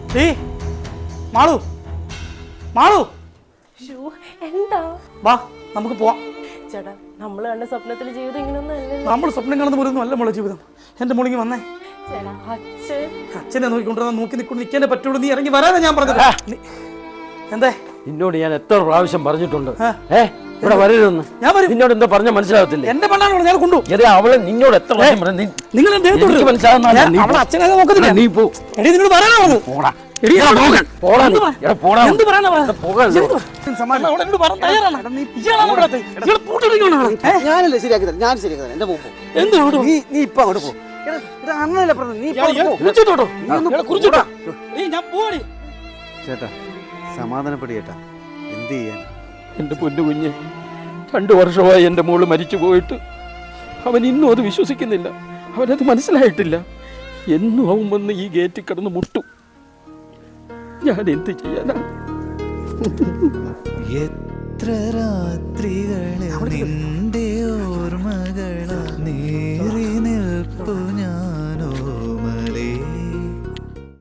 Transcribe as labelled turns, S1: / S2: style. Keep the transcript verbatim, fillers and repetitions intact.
S1: ഏയ് മാളു മാളു
S2: എന്താ
S1: വാ നമുക്ക് പോവാം.
S2: ചേട്ടാ നമ്മൾ കണ്ട സ്വപ്നത്തിലെ ജീവിതം ഇങ്ങനൊന്നും അല്ലല്ലോ.
S1: നമ്മൾ സ്വപ്നം കാണുന്ന പോലൊന്നും അല്ല മോളെ ജീവിതം. എന്റെ മോളിങ്ങി വന്നേ.
S2: ചേട്ടാ അച്ഛൻ
S1: അച്ഛനെ നോക്കിക്കൊണ്ടിരുന്ന നോക്കി നിൽക്കൊണ്ട് നിൽക്കാനേ പറ്റുള്ളൂ. നീ ഇറങ്ങി വരാനാ ഞാൻ പറഞ്ഞത്. എന്തേ
S3: നിന്നോട് ഞാൻ എത്ര പ്രാവശ്യം പറഞ്ഞിട്ടുണ്ട് ഏ ഇവിടെ വരരുതെന്ന്.
S1: ഞാൻ വരും.
S3: നിന്നോട് എന്താ പറഞ്ഞ മനസ്സിലാവത്തില്ലേ?
S1: എന്റെ പെണ്ണാണോ ഞാൻ കൊണ്ടു.
S3: അവളെ നിന്നോട് എത്ര പ്രാവശ്യം പറഞ്ഞു
S1: നിങ്ങൾ അച്ഛനെ നോക്കുന്നില്ല.
S3: നീ പോ.
S1: എടി നിന്നോട് പറയാനാ പറഞ്ഞത്.
S3: പോടാ
S1: എടി
S3: പോടാ
S1: എന്ത് പറയാനാ
S4: ഞാനല്ലേ ശരിയാക്കി തരാം. ഞാൻ ശരിയാക്കി തരാം. എന്റെ മുമ്പ് നീ നീ ഇപ്പൊ അങ്ങോട്ട് പോ. അന്നല്ലേ പറഞ്ഞു നീ ചേട്ടാ സമാധാനപ്പെടി ചേട്ടാ. എന്ത് ചെയ്യാൻ?
S3: എന്റെ പൊന്നു കുഞ്ഞ്, രണ്ടു വർഷമായി എൻ്റെ മോള് മരിച്ചു പോയിട്ട് അവൻ ഇന്നും അത് വിശ്വസിക്കുന്നില്ല. അവനത് മനസ്സിലായിട്ടില്ല. എന്നും അവൻ വന്ന് ഈ ഗേറ്റിൽ കിടന്ന് മുട്ടും. ഞാൻ എന്ത് ചെയ്യാനാ?
S5: എത്ര രാത്രികൾ നിന്റെ